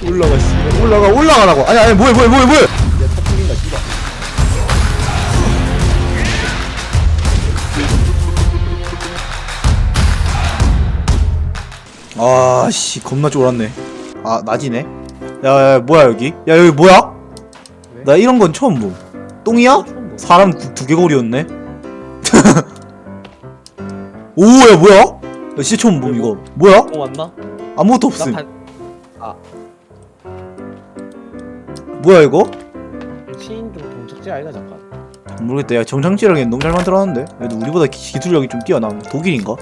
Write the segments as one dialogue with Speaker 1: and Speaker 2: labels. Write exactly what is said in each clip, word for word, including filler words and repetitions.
Speaker 1: 올라가 씨. 올라가 올라가라고. 아니 아니 뭐해 뭐해 뭐해 뭐해.
Speaker 2: 야차 풀린다 씨발.
Speaker 1: 아씨 겁나 쫄았네. 아 낮이네. 야, 야 뭐야 여기? 야 여기 뭐야?
Speaker 2: 왜?
Speaker 1: 나 이런 건 처음 봄. 똥이야?
Speaker 2: 처음 봐.
Speaker 1: 사람 두, 두개골이었네. 오야 뭐야? 나 진짜 처음 봄 이거. 뭐야?
Speaker 2: 어 왔나?
Speaker 1: 아무것도
Speaker 2: 나
Speaker 1: 없음.
Speaker 2: 반. 아
Speaker 1: 뭐야 이거?
Speaker 2: 시인 좀 동작지 아이가 잠깐.
Speaker 1: 모르겠다. 야 정상지랑이 너무 잘 만들어놨는데. 그래도 우리보다 기, 기술력이 좀 뛰어남. 독일인가?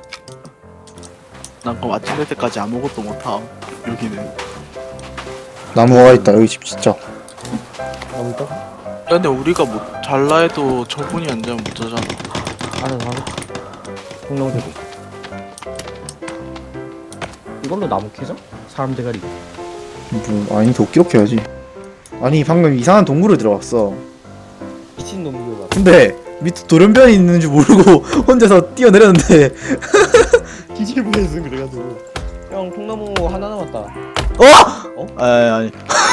Speaker 3: 난 그거 맞출 때까지 아무것도 못함. 여기는.
Speaker 1: 나무가 있다 여기 집 진짜.
Speaker 2: 나무 있다?
Speaker 3: 야, 근데 우리가 뭐 잘라 해도 저분이 안 되면 못 자잖아.
Speaker 2: 알아서 하겠다. 공룡대고. 이걸로 나무 캐죠? 사람 대가리.
Speaker 1: 뭐 아니 도끼로 캐야지. 아니 방금 이상한 동굴을 들어갔어.
Speaker 2: 미친 놈이가.
Speaker 1: 근데 밑에 돌연변이 있는 줄 모르고 혼자서 뛰어내렸는데
Speaker 2: 기질부에서 그래가지고. 형 통나무 하나 남았다.
Speaker 1: 어?
Speaker 2: 어?
Speaker 1: 아니 아니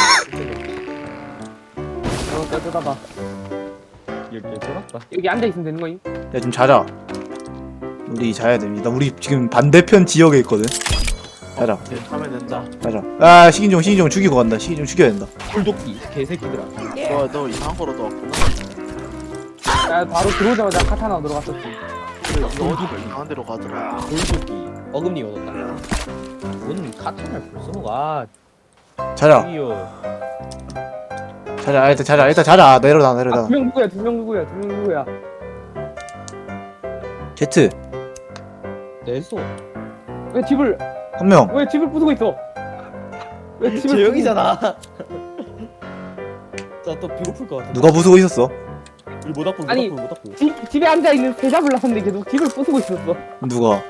Speaker 4: 어, 뜯어봐.
Speaker 2: 여기 돌았다.
Speaker 4: 여기 앉아 있으면 되는 거임?
Speaker 1: 야 좀 자자. 우리 자야 됩니다. 우리 지금 반대편 지역에 있거든. 자자
Speaker 3: 네, 하면 된다.
Speaker 1: 자자. 아 식인종 식인종 죽이고 간다. 식인종 죽여야 된다.
Speaker 2: 불도끼 개새끼들아.
Speaker 3: 너, 너 이상한 거로 넣었구나.
Speaker 4: 나 바로 들어오자마자 카타나 들어갔었지.
Speaker 3: 그래, 너 어디가 이상한 데로 가더라.
Speaker 2: 불도끼. 어금니 얻었다. 뭔 카타날 벌써 가.
Speaker 1: 자자
Speaker 2: 이요.
Speaker 1: 자자 일단 자자 일단 자자 내려놔
Speaker 4: 아,
Speaker 1: 내려놔.
Speaker 4: 두 명 누구야? 두 명 누구야? 두 명 누구야?
Speaker 1: 제트
Speaker 2: 내소.
Speaker 4: 왜 집을
Speaker 1: 한 명.
Speaker 4: 왜 집을 부수고 있어? 왜 집을
Speaker 2: 재영이잖아. 자또 비고플 것 같아.
Speaker 1: 누가 부수고 있었어?
Speaker 2: 우리 못 닦고 못
Speaker 4: 아니.
Speaker 2: 닦고 못 닦고.
Speaker 4: 부수- 집 집에 앉아 있는 새 잡으려는데 계속 집을 부수고 있었어.
Speaker 1: 누가?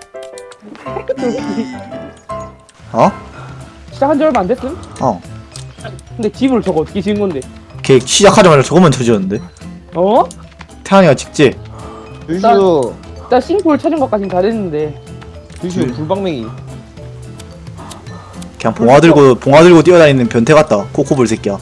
Speaker 1: 어?
Speaker 4: 시작한 지 얼마 안 됐음?
Speaker 1: 어.
Speaker 4: 근데 집을 저거 어떻게 지은 건데?
Speaker 1: 걔 시작하자마자 저것만 쳐지었는데.
Speaker 4: 어?
Speaker 1: 태환이가 직지.
Speaker 2: 유슈.
Speaker 4: 나 싱크홀 찾은 것까진 다 됐는데.
Speaker 2: 유슈 불방맹이.
Speaker 1: 그냥 봉화 들고 봉화 들고 뛰어다니는 변태 같다. 코코볼 새끼야.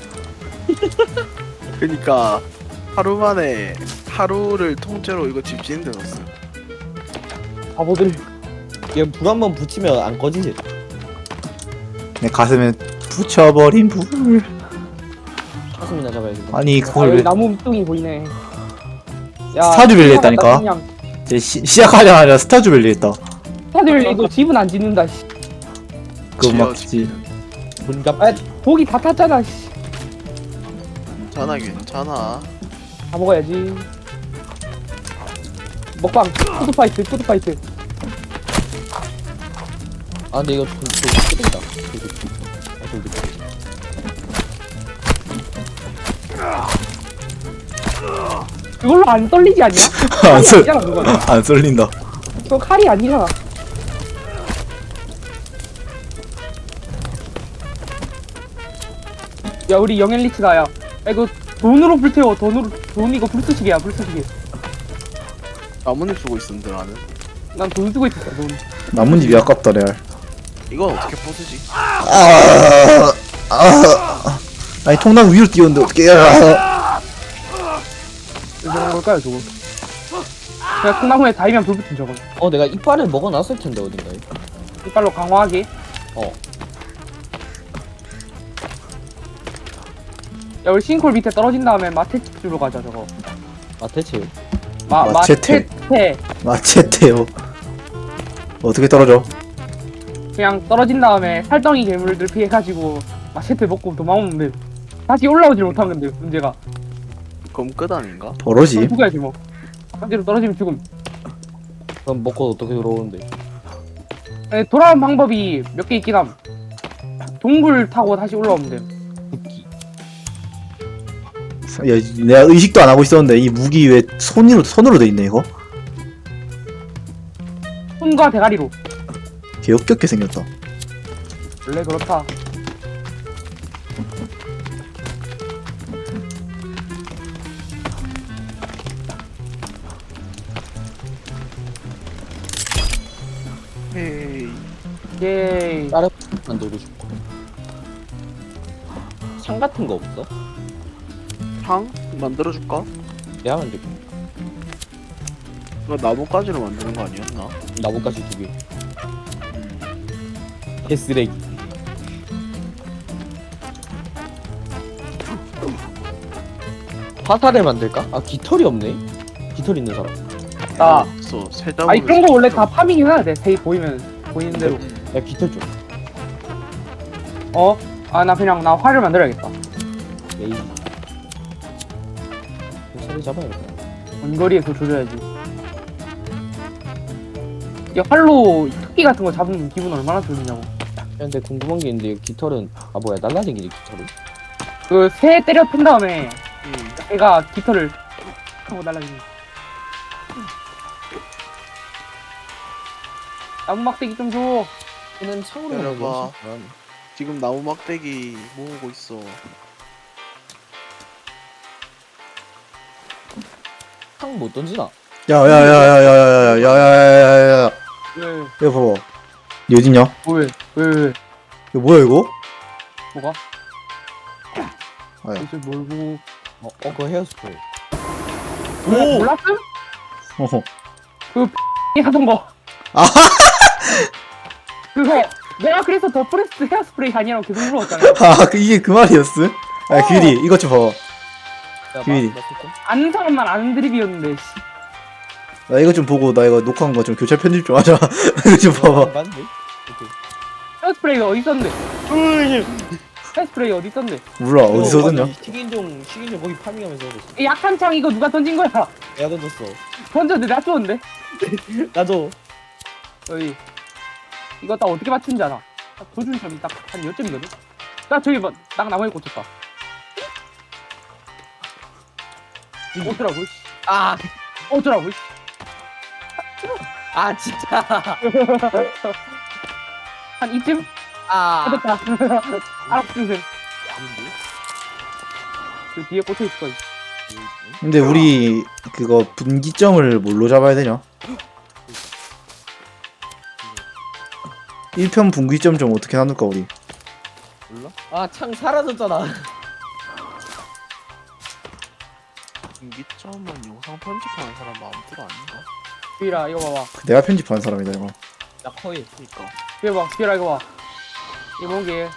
Speaker 3: 그니까 하루 만에 하루를 통째로 이거 집 짓는 데 넣었어.
Speaker 4: 바보들.
Speaker 2: 얘불 한 번 붙이면 안 꺼지지.
Speaker 1: 내 가슴에 붙여버린 불.
Speaker 2: 가슴이나 잡아야지.
Speaker 1: 아니
Speaker 4: 아, 여기
Speaker 1: 그걸 왜
Speaker 4: 나무 밑둥이 보이네. 야,
Speaker 1: 스타듀밸리 했다니까?
Speaker 4: 그냥
Speaker 1: 이제 시, 시작하자마자 스타주밸리 했다.
Speaker 4: 스타듀밸리도 집은 안 짓는다. 씨.
Speaker 1: 그거
Speaker 3: 지어,
Speaker 1: 맞지.
Speaker 2: 문갑.
Speaker 4: 아, 고기 다 탔잖아. 씨.
Speaker 3: 괜찮아, 괜찮아.
Speaker 4: 다 먹어야지. 먹방. 푸드파이트. 푸드파이트.
Speaker 2: 아 근데 이거 좀 끄덕이다. 아 좀 늦게.
Speaker 4: 그걸로 안 떨리지 않냐?
Speaker 1: 안
Speaker 4: 칼이
Speaker 1: 쏠,
Speaker 4: 아니잖아 그건.
Speaker 1: 안 쏠린다.
Speaker 4: 그거 칼이 아니잖아. 야 우리 영앤리치다 야. 야 이거 돈으로 불태워. 돈으로 돈 이거 불쏘시개야 불쏘시개.
Speaker 3: 나뭇잎 쓰고 있었는데 나는.
Speaker 4: 난 돈 쓰고 있었어 돈.
Speaker 1: 나뭇잎이 아깝다 레알.
Speaker 3: 이건 어떻게 부수지?
Speaker 1: 아, 아, 아니 통나무 위로 뛰었는데 어떻게? 아,
Speaker 4: 이런 걸까요 저거? 그냥 콩나무에 닿으면 불 붙은 저거.
Speaker 2: 어 내가 이빨을 먹어놨을 텐데 어딘가에.
Speaker 4: 이빨로 강화하게.
Speaker 2: 어.
Speaker 4: 야 우리 싱콜 밑에 떨어진 다음에 마테치로 가자 저거.
Speaker 2: 마테치.
Speaker 4: 마
Speaker 1: 마체테.
Speaker 4: 마체테.
Speaker 1: 마체테요. 어떻게 떨어져?
Speaker 4: 그냥 떨어진 다음에 살덩이 괴물들 피해가지고 마체테 먹고 도망오면 돼. 다시 올라오질 못하면 돼 문제가.
Speaker 3: 그럼 끝 아닌가?
Speaker 1: 버러지.
Speaker 4: 죽어야지 뭐. 한대로 떨어지면 죽음.
Speaker 2: 그럼 먹고 어떻게 들어오는데?
Speaker 4: 에, 돌아온 방법이 몇 개 있긴 함. 동굴 타고 다시 올라오면 돼.
Speaker 2: 붓기.
Speaker 1: 야, 내가 의식도 안 하고 있었는데 이 무기 왜 손으로 손으로 돼 있네 이거?
Speaker 4: 손과 대가리로.
Speaker 1: 개 역겹게 생겼다.
Speaker 4: 원래 그렇다.
Speaker 3: 헤이.
Speaker 4: 예이.
Speaker 2: 다른 만들고 싶어. 창 같은 거 없어?
Speaker 3: 창 만들어줄까?
Speaker 2: 내가 만들 거.
Speaker 3: 이거 나뭇가지로 만드는 거 아니었나?
Speaker 2: 나뭇가지 두 개.
Speaker 3: 음.
Speaker 2: 개쓰레기. 화살을 만들까? 아 깃털이 없네. 깃털 있는 사람.
Speaker 4: 나
Speaker 3: 없어. 세 잡으로.
Speaker 4: 아 이런 거 원래 다 파밍 해야 돼. 세이 보이면 보이는 대로.
Speaker 2: 야 깃털 좀.
Speaker 4: 어? 아 나 그냥 나 활을 만들어야겠다.
Speaker 2: 에이. 화살을 잡아야겠다.
Speaker 4: 원거리에서 조져야지. 야 활로 토끼 같은 거 잡으면 기분 얼마나 좋냐고.
Speaker 2: 야, 근데 궁금한 게 있는데 깃털은 아 뭐야 날라다니지 깃털은?
Speaker 4: 그 새 때려 푼 다음에
Speaker 3: 응.
Speaker 4: 애가 깃털을 하고 날라지는. 나무 막대기 좀 줘.
Speaker 2: 얘는 창으로
Speaker 3: 내려봐.
Speaker 2: 만든 게
Speaker 3: 지금 나무 막대기 모으고 있어.
Speaker 2: 창못 던지나?
Speaker 1: 야야야야야야야야야야야
Speaker 4: 왜?
Speaker 1: 이거 봐봐. 니 어딨냐?
Speaker 4: 왜? 왜? 왜?
Speaker 1: 이거 뭐야 이거?
Speaker 4: 뭐가?
Speaker 1: 아야.
Speaker 4: 이제 뭘 보고?
Speaker 2: 어, 어 그거 헤어스프레이.
Speaker 4: 오! 몰랐음?
Speaker 1: 어허.
Speaker 4: 이 하던 거.
Speaker 1: 아.
Speaker 4: 그거 내가 그래서 더 프레스 헤어스프레이 아니라고 계속 물어봤잖아.
Speaker 1: 아 그, 이게 그 말이었어? 아
Speaker 4: 어.
Speaker 1: 규리 이것 좀 봐봐.
Speaker 2: 야,
Speaker 1: 비밀이.
Speaker 2: 마- 마스터?
Speaker 4: 아는 사람만 아는 드립이었는데. 씨.
Speaker 1: 나 이거 좀 보고 나 이거 녹화한 거 좀 교체 편집 좀 하자. 이거 좀
Speaker 2: 어,
Speaker 1: 봐봐.
Speaker 2: 맞네. 오케이.
Speaker 4: 헤어스프레이가 어디 있었는데? 헤어스프레이 어디 있었는데?
Speaker 1: 몰라 어디서 얻었냐?
Speaker 2: 아니, 식인종 식인종 거기 파밍하면서 얻었어.
Speaker 4: 이 약한 창 이거 누가 던진 거야?
Speaker 2: 내가 던졌어.
Speaker 4: 던졌는데 나 쏘는데?
Speaker 2: 나도.
Speaker 4: 여기 이거 딱 어떻게 맞춘지 알아? 딱 조준점이 딱 한 여점이거든? 나 저기 뭐, 딱 나무에 꽂혔다. 어쩌라고, 씨.
Speaker 2: 아,
Speaker 4: 어쩌라고, 씨.
Speaker 2: 아 진짜.
Speaker 4: 한 이쯤?
Speaker 2: 아.
Speaker 4: 아, 됐다. 알았어, 선생.
Speaker 2: 아닌데?
Speaker 4: 그 뒤에 꽂혀있을 거야.
Speaker 1: 근데 우리 그거 분기점을 뭘로 잡아야 되냐? 일 편 분기점 좀 어떻게 나눌까 우리?
Speaker 2: 몰라? 아, 창 사라졌잖아.
Speaker 3: 분기점은 영상 편집하는 사람 마음대로 아닌가?
Speaker 4: 비라, 이거 봐봐.
Speaker 1: 내가 편집한 사람이다 이거.
Speaker 2: 나 거의
Speaker 3: 그니까.
Speaker 4: 이거 봐, 비라, 이거 봐. 이거 뭔게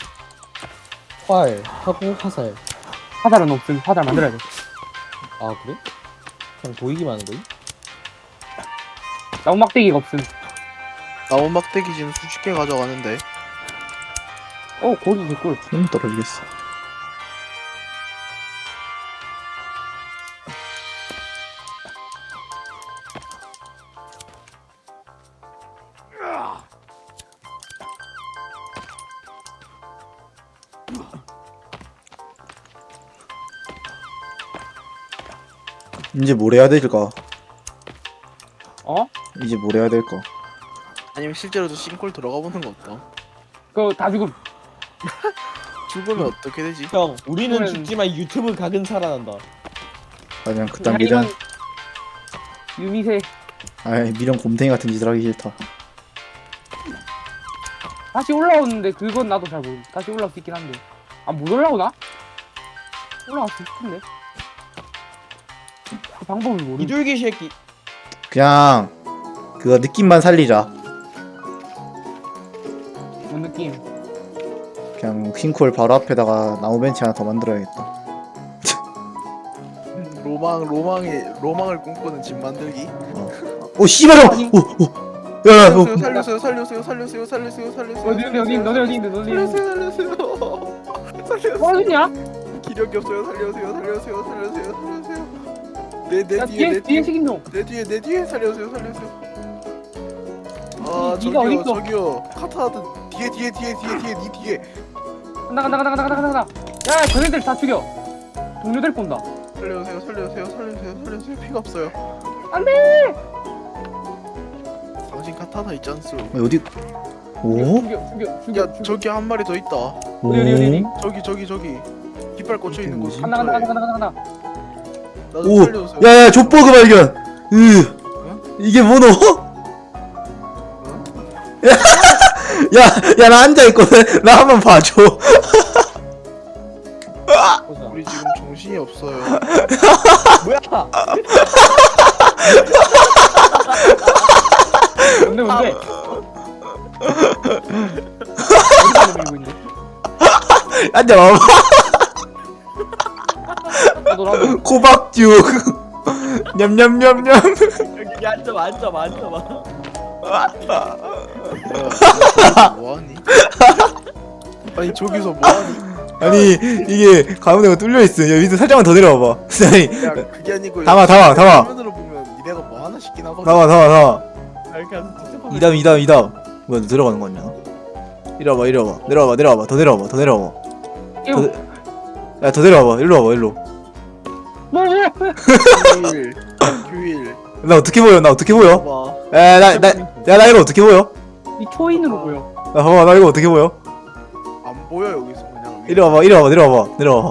Speaker 2: 활 하고 화살.
Speaker 4: 화살은 없음. 화살 만들어야 돼.
Speaker 2: 아 그래? 그냥 보이기만 하는 거임?
Speaker 4: 나무 막대기가 없음.
Speaker 3: 나무 막대기 지금 수십 개 가져가는데.
Speaker 4: 어, 고기 개꿀.
Speaker 1: 힘 떨어지겠어. 이제 뭘 해야 될까?
Speaker 4: 어?
Speaker 1: 이제 뭘 해야 될까?
Speaker 3: 아니면 실제로도 싱콜 들어가 보는 거 어떠?
Speaker 4: 그거 다 죽음.
Speaker 3: 죽으면 어떻게 되지?
Speaker 2: 형, 우리는
Speaker 4: 그러면-
Speaker 2: 죽지만 유튜브 각은 살아난다.
Speaker 1: 그냥 그딴 미련,
Speaker 4: 유미세.
Speaker 1: 아이 미련 곰탱이 같은 짓을 하기 싫다.
Speaker 4: 다시 올라오는데 그건 나도 잘 모르. 다시 올라올 수 있긴 한데. 아, 못 올라오나? 올라갈 수 있을 텐데. 그 방법을 모르.
Speaker 2: 이둘기 새끼.
Speaker 1: 그냥 그거 느낌만 살리자.
Speaker 4: 뭔 느낌?
Speaker 1: 그냥 킹콜 바로 앞에다가 나무 벤치 하나 더 만들어야겠다.
Speaker 3: 로망 로망의 로망을 꿈꾸는 집 만들기.
Speaker 1: 오 씨발아! 오 오. 야야 어.
Speaker 3: 살려주세요 살려주세요 살려주세요 살려주세요 살려주세요.
Speaker 4: 어디 어디 너네 어디 있는데 너네 어디
Speaker 3: 살려주세요 살려주세요. 살려주세요.
Speaker 4: 뭐하냐?
Speaker 3: 기력이 없어요. 살려주세요 살려주세요 살려주세요 살려주세요. 내내
Speaker 4: 야
Speaker 3: 뒤에
Speaker 4: 뒤에
Speaker 3: 내
Speaker 4: 뒤에
Speaker 3: 뒤에
Speaker 4: 식인종.
Speaker 3: 내 뒤에 내 뒤에 살려주세요 살려주세요. 아
Speaker 4: 니- 니가
Speaker 3: 저기요
Speaker 4: 어딨어?
Speaker 3: 저기요 카타하드 뒤에 뒤에 뒤에 뒤에 뒤에 니 뒤에.
Speaker 4: 간다 간다 간다 간다 간다 간다. 야 저네들 다 죽여. 동료들 꼰다.
Speaker 3: 살려주세요 살려주세요 살려주세요 살려주세요. 피가 없어요.
Speaker 4: 안돼.
Speaker 3: 당신 카타나 있잖소.
Speaker 1: 어디? 오?
Speaker 4: 죽여 죽여 죽여.
Speaker 3: 야 저기 한 마리 더 있다.
Speaker 1: 오?
Speaker 4: 어디, 어디, 어디?
Speaker 3: 저기 저기 저기 깃발 꽂혀 있는 곳.
Speaker 4: 간다 간다 간다 간다 간다.
Speaker 3: 나도
Speaker 1: 오!
Speaker 3: 살려주세요.
Speaker 1: 야야 족보그 발견! 으 이게 뭐노? 야! 야 나 앉아있거든? 나 한번 봐줘.
Speaker 2: 보자.
Speaker 3: 우리 지금 정신이 없어요.
Speaker 2: 뭐야?
Speaker 4: 뭔데 뭔데? 어디서 밀고 있네?
Speaker 1: 앉아봐봐.
Speaker 4: 나도 나도.
Speaker 1: 코박죽. 냠냠냠냠.
Speaker 2: 여기 앉아봐 앉아봐 앉아봐.
Speaker 3: 뭐야? 저기서 뭐하니? 아니 저기서 뭐하니?
Speaker 1: 아니 이게 가운데가 뚫려 있어. 여기 밑에 살짝만 더 내려와봐. 아니
Speaker 3: 야 그게 아니고
Speaker 1: 담아, 담아, 담아.
Speaker 3: 화면으로 보면 니네가 뭐 하나 싶긴 하거든.
Speaker 1: 나와 나와 나와.
Speaker 2: 아, 이렇게 하면 진짜 파괴.
Speaker 1: 이담 이담 이담. 뭐야 너 들어가는 거 아니야? 이리 와봐 이리 와봐 내려와봐 내려와봐 더 내려와봐 더 내려와봐.
Speaker 4: 이거
Speaker 1: 야 더 내려와봐 일로 와봐 일로.
Speaker 4: 뭐 뭐?
Speaker 3: 규일 규일
Speaker 1: 나 어떻게 보여? 나 어떻게 보여?
Speaker 3: 봐봐.
Speaker 1: 야나나야 나 이거 어떻게 보여?
Speaker 4: 이 초인으로 보여.
Speaker 1: 나 봐봐 나 이거 어떻게 보여?
Speaker 3: 안 보여 여기서 그냥.
Speaker 1: 이리 와봐 이리 와봐 내려와봐 내려와봐.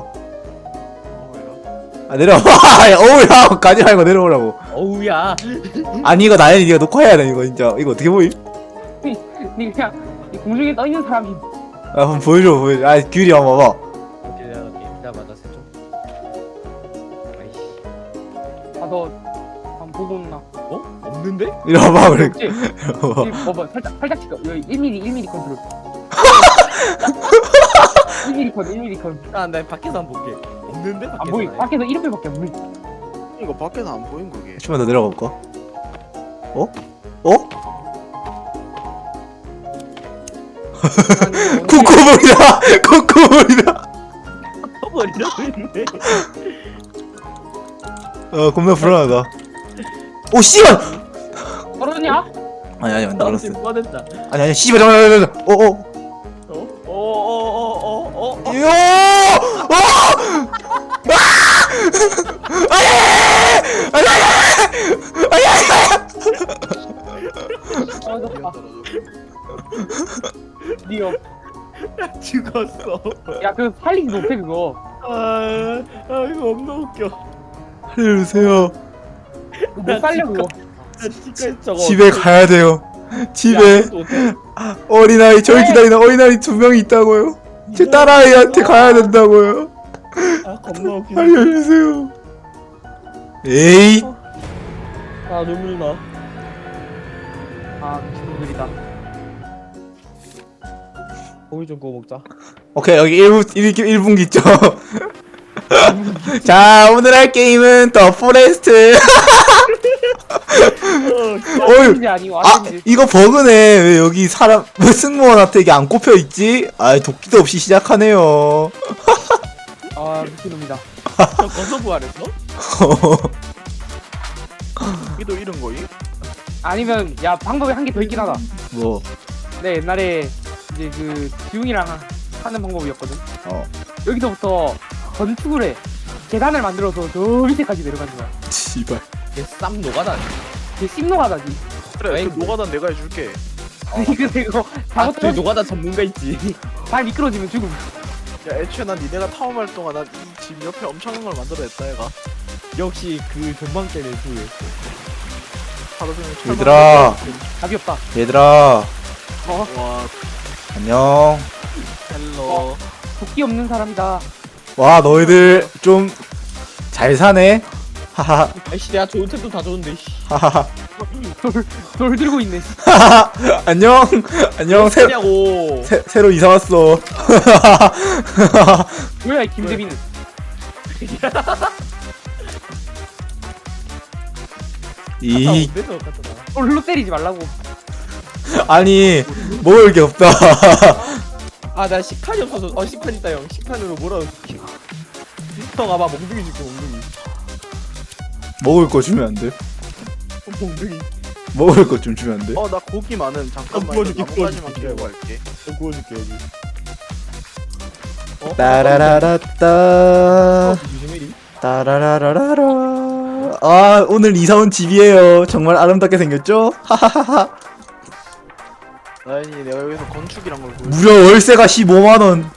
Speaker 3: 뭐야?
Speaker 1: 아 내려와봐. 야, 어우야 가지 말고 내려오라고.
Speaker 2: 어우야.
Speaker 1: 아니 이거 나연이 네가 녹화해야 돼 이거 진짜. 이거 어떻게 보임?
Speaker 4: 니 그냥 이 공중에 떠 있는 사람이.
Speaker 1: 아 한번 보여줘 보여줘. 아 귤이 한번 봐봐.
Speaker 2: 오케이 내가 오케이 기다려봐 나 세죠. 아이씨.
Speaker 4: 아너 한번 보고 온나?
Speaker 2: 어? 없는데?
Speaker 1: 이리 와봐 그래.
Speaker 4: 없지? 이 봐봐 살짝 살짝 찍어. 여기 일 밀리미터 일 밀리미터 컨트롤. 일 밀리미터 컨 일 밀리미터 컨.
Speaker 2: 아나 밖에서 한번 볼게. 없는데 밖에서.
Speaker 4: 안 보이.
Speaker 2: 나야.
Speaker 4: 밖에서 이름표밖에 안 보이.
Speaker 3: 이거 밖에서 안 보인 거게.
Speaker 1: 좀만 더 내려가 볼까? 어? 어? 코코볼이다! 코코볼이다!
Speaker 2: 버리라고 했네.
Speaker 1: 어 겁나 불안하다. 오 씨발!
Speaker 4: 떨어지냐?
Speaker 1: 아니 아니 안
Speaker 2: 나한테
Speaker 1: 알았어.
Speaker 2: 뻔했다.
Speaker 1: 아니 아니 씨발 잠깐만 잠깐만. 어어.
Speaker 2: 어? 어어어어어 어?
Speaker 1: 요! 어! 아! 아니! 아니! 아니! 아니!
Speaker 4: 떨어졌다. 니어.
Speaker 2: 죽었어.
Speaker 4: 야 그거 살리지 못해 그거.
Speaker 2: 아, 아 이거 너무 웃겨.
Speaker 1: 살려주세요.
Speaker 4: 못 살려 그거.
Speaker 2: 나 지금 저거
Speaker 1: 집에 가야 돼요. 집에 어린아이 저를 기다리는 어린아이 두 명이 있다고요. 제 딸아이한테 가야 된다고요.
Speaker 2: 아 겁나 웃기다.
Speaker 1: 살려주세요. 에이.
Speaker 2: 아 눈물 나.
Speaker 4: 아 미친놈들이다.
Speaker 2: 고기 좀 구워 먹자.
Speaker 1: 오케이 여기 일 분 일 분기 있죠. 자 오늘 할 게임은 더 포레스트. 어휴.
Speaker 4: 아닌지 아니고
Speaker 1: 아
Speaker 4: 아닌지.
Speaker 1: 이거 버그네. 왜 여기 사람 왜 승무원한테 이게 안 꼽혀 있지? 아 도끼도 없이 시작하네요.
Speaker 4: 아 미친놈이다.
Speaker 2: 저 거서 부활했어?
Speaker 3: 이도 이런 거임?
Speaker 4: 아니면 야 방법이 한 개 더 있긴 하다.
Speaker 1: 뭐
Speaker 4: 내 옛날에 이제 그 지웅이랑 하는 방법이었거든.
Speaker 1: 어.
Speaker 4: 여기서부터 건축을 해. 계단을 만들어서 저 밑에까지 내려가는 거야.
Speaker 1: 씨발.
Speaker 2: 쌈 노가다.
Speaker 4: 이게 씹노가다지.
Speaker 3: 그래
Speaker 2: 아이고.
Speaker 3: 그 노가단 내가 해줄게.
Speaker 4: 근데 이거
Speaker 2: 아, 저
Speaker 4: 잘못하면
Speaker 2: 노가다 전문가 있지.
Speaker 4: 발 미끄러지면 죽음.
Speaker 3: 야 애초에 난 니네가 타워할 동안 난 이 집 옆에 엄청난 걸 만들어냈다 얘가.
Speaker 2: 역시 그 전망 때문에 후회.
Speaker 3: 하루 종일 철망
Speaker 1: 얘들아.
Speaker 4: 답이 없다.
Speaker 1: 얘들아
Speaker 4: 어?
Speaker 3: 와
Speaker 1: 안녕.
Speaker 3: 헬로.
Speaker 4: 도끼 없는 사람이다.
Speaker 1: 와 너희들 좀 잘 사네. 하하
Speaker 2: 아이씨 내가 좋은 템도 다 줬는데. 씨.
Speaker 1: 하하하.
Speaker 4: 돌, 돌 들고 있네.
Speaker 1: 하하. 안녕 안녕 새,
Speaker 2: 냐고.
Speaker 1: 새 새로 이사 왔어.
Speaker 4: 뭐야 이 김재빈은.
Speaker 1: 이
Speaker 4: 돌로 때리지 말라고.
Speaker 1: 아니 먹을 게 없다.
Speaker 2: 아나 식판이 없어서. 어 식판 있다 형. 식판으로 뭐라 줄게. 형 아마 몽둥이 줄게 몽둥이.
Speaker 1: 먹을 거 주면 안 돼?
Speaker 2: 어, 몽둥이.
Speaker 1: 먹을 거 좀 주면 안 돼?
Speaker 3: 어 나 고기 많은. 잠깐만.
Speaker 2: 어, 구워줄게,
Speaker 3: 나뭇가지만
Speaker 2: 구워줄게.
Speaker 3: 기다리고 갈게.
Speaker 2: 형 구워줄게 여기. 어?
Speaker 1: 따라라라따
Speaker 2: 유지메리.
Speaker 1: 따라라라라라. 아 오늘 이사 온 집이에요. 정말 아름답게 생겼죠? 하하하하.
Speaker 3: 나연이 내가 여기서 건축이란 걸 보여.
Speaker 1: 무려 월세가 십오만 원.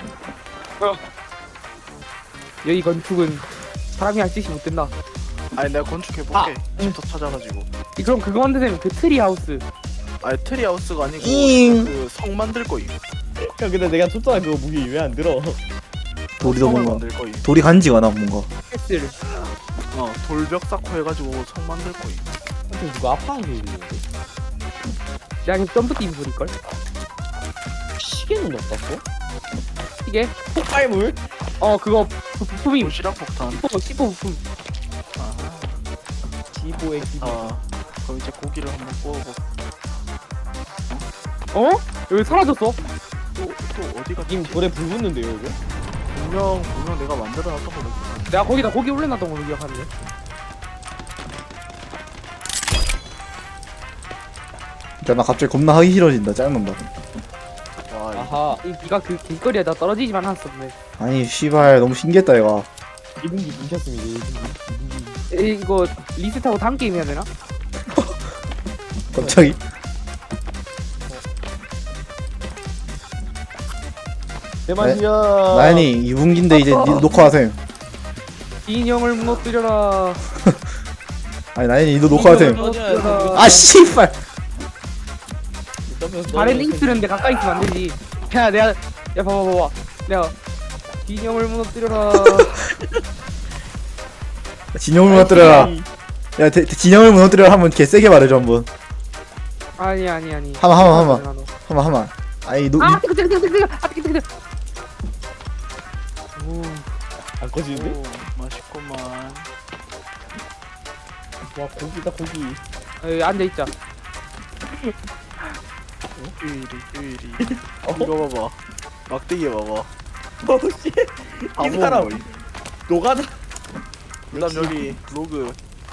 Speaker 4: 여기 건축은 사람이 할 짓이 못 된다.
Speaker 3: 아니 내가 건축해볼게. 집터 찾아가지고.
Speaker 4: 이- 그럼 그거 만드면 그 트리 하우스.
Speaker 3: 아니 트리하우스가 아니고
Speaker 1: 잉.
Speaker 3: 그 성 만들 거임.
Speaker 2: 형 근데 내가 줬잖아 그거 무기 왜 안 들어?
Speaker 1: 돌이 더
Speaker 3: 성을
Speaker 1: 뭔가
Speaker 3: 만들 거임.
Speaker 1: 돌이 간지가 나 뭔가.
Speaker 4: 패스를.
Speaker 3: 어 돌벽 쌓고 해가지고 성 만들 거임.
Speaker 2: 근데 누가 아파하는 게 있는데?
Speaker 4: 야, 이거 점프 뛰는 소리걸?
Speaker 2: 시계는 어떻고?
Speaker 4: 이게?
Speaker 2: 폭발물?
Speaker 4: 어, 그거 부- 부품임.
Speaker 3: 도시락 폭탄.
Speaker 4: 시포, 시포 부품.
Speaker 3: 아하.
Speaker 2: 지보의 기.
Speaker 3: 아 그럼 이제 고기를 한번 구워보.
Speaker 4: 어? 여기 사라졌어?
Speaker 3: 또, 또 어디가
Speaker 2: 님 돌에 불 붙는데요 이거?
Speaker 3: 분명 분명 내가 만들어 놨던 거 같아.
Speaker 4: 내가 거기다 고기 올려놨던 걸로 기억하는데.
Speaker 1: 야, 나 갑자기 겁나 하기 싫어진다. 짜증난다.
Speaker 3: 와 이-
Speaker 2: 아하.
Speaker 4: 이 니가 그 길거리에다 떨어지지만 않았었네.
Speaker 1: 아니 씨발 너무 신기했다 얘가.
Speaker 2: 이분기 뭉쳤습니다. 이분기.
Speaker 4: 에, 이거 리셋하고 다음 게임 해야 되나?
Speaker 1: 갑자기.
Speaker 2: 내 맛이야.
Speaker 1: 나연이 이 분기인데 이제 니 녹화하셈.
Speaker 4: 인형을 무너뜨려라.
Speaker 1: 아니 나연이 니도 녹화하셈.
Speaker 4: 무너뜨려라.
Speaker 1: 아 씨발.
Speaker 4: 발에 링크 쓰는데 가까이 있으면 안 되지. 야, 내가, 야, 봐봐, 봐봐. 내가 인형을 무너뜨려라.
Speaker 1: 진영을 무너뜨려라. 야 대, 대- 진영을 무너뜨려라 한번 개 세게 말해줘 한번.
Speaker 4: 아니, 아니, 아니.
Speaker 1: 하마, 하마, 하마.
Speaker 4: 나도.
Speaker 1: 한번 한번. 아니 노.
Speaker 4: 아, 뜨거, 뜨거, 뜨거, 뜨거, 아, 뜨거, 뜨거, 뜨거.
Speaker 2: 안 꺼지는데?
Speaker 3: 오 맛있구만.
Speaker 2: 와 고기다 고기.
Speaker 4: 여기 앉아 있자.
Speaker 3: 유일이 유일이.
Speaker 2: 어?
Speaker 3: 이거 봐봐. 막대기 봐봐.
Speaker 2: 어씨.
Speaker 3: 다
Speaker 2: 이
Speaker 3: 모은
Speaker 2: 사람
Speaker 3: 거임.
Speaker 2: 노가다.
Speaker 3: 그다음 여기 로그.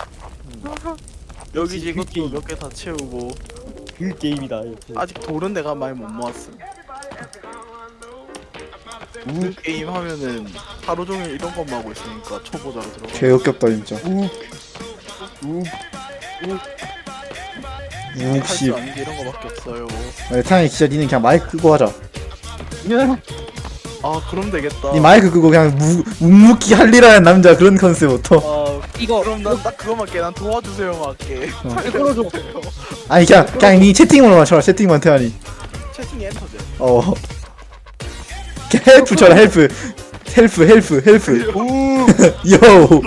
Speaker 3: 여기
Speaker 2: 역시
Speaker 3: 지금
Speaker 2: 그 게임.
Speaker 3: 몇 개 다 채우고
Speaker 2: 그 게임이다. 이렇게.
Speaker 3: 아직 돌은 내가 많이 못 모았음. 그 게임 하면은 하루 종일 이런 것만 하고 있으니까 초보자로 들어가.
Speaker 1: 개 역겹다 진짜.
Speaker 2: 욱. 욱.
Speaker 1: 육십.
Speaker 3: 할줄 아는 게 이런 거밖에 없어요.
Speaker 1: 아니 태양이 진짜 니는 그냥 마이크 끄고 하자.
Speaker 3: 아 그럼 되겠다.
Speaker 1: 니 마이크 끄고 그냥 무, 묵묵히 할일하는 남자 그런 컨셉부터.
Speaker 3: 아
Speaker 4: 이거,
Speaker 3: 그럼 난 딱 그거만 할게. 난 도와주세요 할게.
Speaker 4: 빨리 끌어줘.
Speaker 1: 아니 그냥 그냥 니 채팅으로만 쳐라. 채팅만 태양이.
Speaker 3: 채팅이 엔터제.
Speaker 1: 어. 헬프 쳐라 헬프. 헬프 헬프 헬프. 요.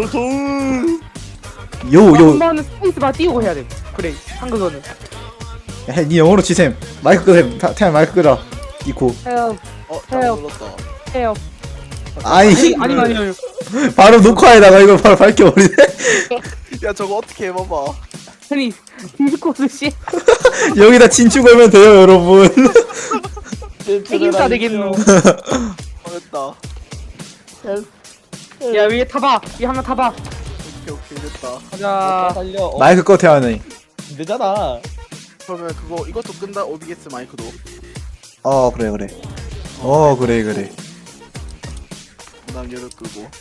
Speaker 1: 요
Speaker 4: 한
Speaker 1: 요.
Speaker 4: 번은 스페이스바 띄우고 해야 돼. 그래, 한국어는.
Speaker 1: 야, 니 영어로 치셈. 마이크 끄셈. 태- 태양 마이크 끄라. 이코.
Speaker 4: 헤어,
Speaker 3: 어, 잘
Speaker 4: 해요.
Speaker 3: 눌렀다.
Speaker 4: 헤어.
Speaker 1: 아니
Speaker 4: 아니, 아니, 아니.
Speaker 1: 바로 녹화에다가 이걸 바로 밝혀버리네.
Speaker 3: 야 저거 어떻게 해봐봐.
Speaker 4: 아니, 디스코스 씨.
Speaker 1: 여기다 진추 걸면 돼요 여러분.
Speaker 4: 책임자 되겠노.
Speaker 3: 잘했다.
Speaker 4: 야, 위에 타봐. 위에 한번 타봐.
Speaker 3: 오케이 오케이 됐다.
Speaker 4: 가자.
Speaker 2: 살려. 어,
Speaker 1: 마이크 꺼 태양이.
Speaker 2: 되잖아.
Speaker 3: 그러면 그거 이것도 끈다. 오비게스 마이크도.
Speaker 1: 어 그래 그래. 어 그래 그래.
Speaker 3: 그다음 얘를 끄고.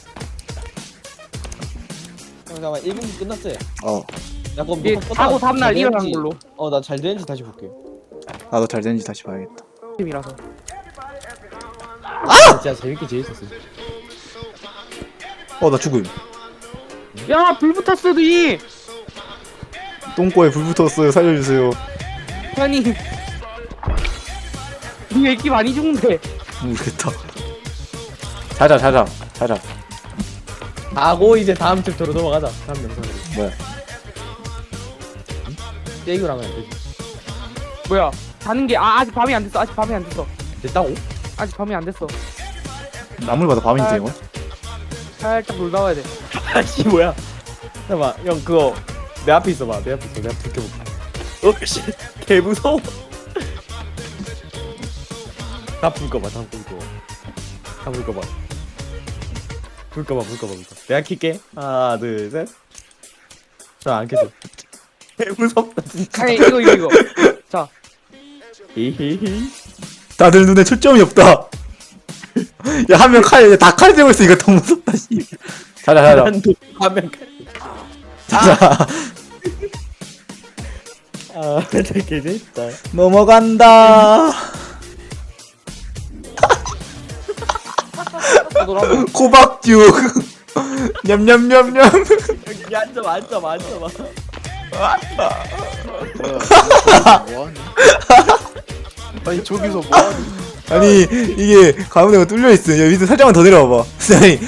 Speaker 2: 잠깐만 일 분기 끝났어요.
Speaker 1: 어
Speaker 2: 나 그럼
Speaker 4: 이제
Speaker 2: 녹화
Speaker 4: 자고
Speaker 2: 껐다가
Speaker 4: 다음날
Speaker 2: 잘
Speaker 4: 일어난
Speaker 2: 되는지-
Speaker 4: 걸로.
Speaker 2: 어, 나 잘 되는지 다시 볼게.
Speaker 1: 나도 잘 되는지 다시 봐야겠다.
Speaker 4: 팀이라서.
Speaker 2: 아! 진짜 재밌게 재밌었어.
Speaker 1: 어 나 죽음.
Speaker 4: 야, 불 붙었어, 니.
Speaker 1: 똥꼬에 불 붙었어요. 살려주세요.
Speaker 4: 아니. 니왜 이렇게 많이 죽는데?
Speaker 1: 모르겠다. 자자 자자 자자.
Speaker 2: 하고 이제 다음 챕터로 넘어가자. 다음 영상으로.
Speaker 1: 뭐야?
Speaker 2: 게임을 하면 안 되지.
Speaker 4: 뭐야? 자는 게, 아, 아직 밤이 안 됐어. 아직 밤이 안 됐어.
Speaker 2: 됐다고?
Speaker 4: 아직 밤이 안 됐어.
Speaker 1: 나물 봐도 밤인데 이거.
Speaker 4: 살짝 놀다 와야 돼.
Speaker 2: 아씨 뭐야? 잠깐만 형 그거 내 앞에 있어봐. 내 앞에 있어. 내가 불 켜볼게. 어씨 개 무서워. 다불 꺼봐. 다불 꺼. 다불 꺼봐. 불 꺼봐. 불 꺼봐. 불 꺼. 내가 킬게. 하나 둘 셋. 자안 켜져. 개 무섭다 진짜.
Speaker 4: 아니, 이거, 이거, 이거. 자.
Speaker 2: 히히히.
Speaker 1: 다들 눈에 초점이 없다. 야 한 명 칼 다 칼 들고 있어. 이거 더 무섭다 씨. 자자 자자
Speaker 2: 난도 화면 가.
Speaker 1: 자자.
Speaker 2: 아 진짜 개 재밌다.
Speaker 1: 넘어간다. 코박죽. 냠냠냠냠.
Speaker 2: 여기 앉아봐. 앉아봐. 앉아봐.
Speaker 3: 뭐야? 뭐하니? 아니 저기서 뭐하니?
Speaker 1: 아니 이게 가운데가 뚫려 있어. 여기 밑에 살짝만 더 내려와봐. 아니